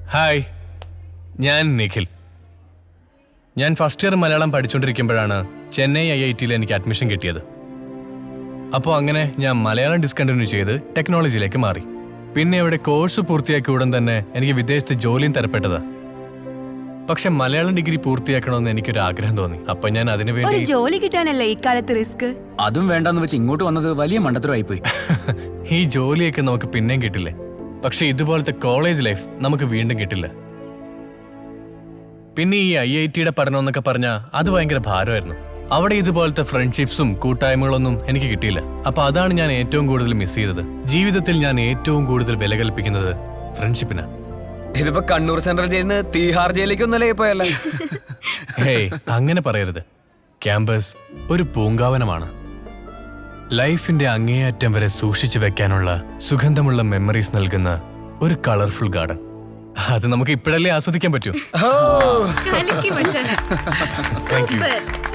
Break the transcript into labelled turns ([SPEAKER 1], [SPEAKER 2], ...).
[SPEAKER 1] Hi, ഞാൻ നിഖിൽ. ഞാൻ first year Malayalam പഠിച്ചുകൊണ്ടിരിക്കുമ്പോഴാണ് ചെന്നൈ IITയിൽ എനിക്ക് അഡ്മിഷൻ കിട്ടിയത്. അപ്പോൾ അങ്ങനെ ഞാൻ മലയാളം ഡിസ്കണ്ടിന്യൂ ചെയ്ത് ടെക്നോളജിയിലേക്ക് മാറി. പിന്നെ ഇവിടെ കോഴ്സ് പൂർത്തിയാക്കിയ ഉടൻ തന്നെ എനിക്ക് വിദേശത്ത് ജോലിയും തരപ്പെട്ടതാ. പക്ഷെ മലയാളം ഡിഗ്രി പൂർത്തിയാക്കണമെന്ന് എനിക്കൊരു ആഗ്രഹം തോന്നി. അപ്പൊ ഞാൻ അതിനുവേണ്ടി
[SPEAKER 2] ജോലി കിട്ടാനല്ലേ ഇക്കാലത്ത് റിസ്ക്.
[SPEAKER 3] അതും വേണ്ടെന്ന് വെച്ച് ഇങ്ങോട്ട് വന്നത് വലിയ മണ്ടത്തരമായി പോയി.
[SPEAKER 1] ഈ ജോലിയൊക്കെ നമുക്ക് പിന്നെയും കിട്ടില്ലേ, പക്ഷെ ഇതുപോലത്തെ കോളേജ് ലൈഫ് നമുക്ക് വീണ്ടും കിട്ടില്ല. പിന്നെ ഈ IITയുടെ പഠനം എന്നൊക്കെ പറഞ്ഞാൽ അത് ഭയങ്കര ഭാരമായിരുന്നു. അവിടെ ഇതുപോലത്തെ ഫ്രണ്ട്ഷിപ്സും കൂട്ടായ്മകളൊന്നും എനിക്ക് കിട്ടിയില്ല. അപ്പൊ അതാണ് ഞാൻ ഏറ്റവും കൂടുതൽ മിസ് ചെയ്തത്. ജീവിതത്തിൽ ഞാൻ ഏറ്റവും കൂടുതൽ വില കൽപ്പിക്കുന്നത് ഫ്രണ്ട്ഷിപ്പിനാണ്.
[SPEAKER 4] ഇതിപ്പോ കണ്ണൂർ സെൻട്രൽ ജയിലിന് തീഹാർ ജയിലിലേക്ക് ഒന്നല്ലേ പോയല്ലേ?
[SPEAKER 1] ഹേയ്, അങ്ങനെ പറയരുത്. ക്യാമ്പസ് ഒരു പൂങ്കാവനമാണ്. ലൈഫിന്റെ അങ്ങേയറ്റം വരെ സൂക്ഷിച്ചു വെക്കാനുള്ള സുഗന്ധമുള്ള മെമ്മറീസ് നൽകുന്ന ഒരു കളർഫുൾ ഗാർഡൻ. അത് നമുക്ക് ഇപ്പോഴല്ലേ ആസ്വദിക്കാൻ പറ്റൂ.
[SPEAKER 5] കലക്കി മച്ചാനെ. സൂപ്പർ.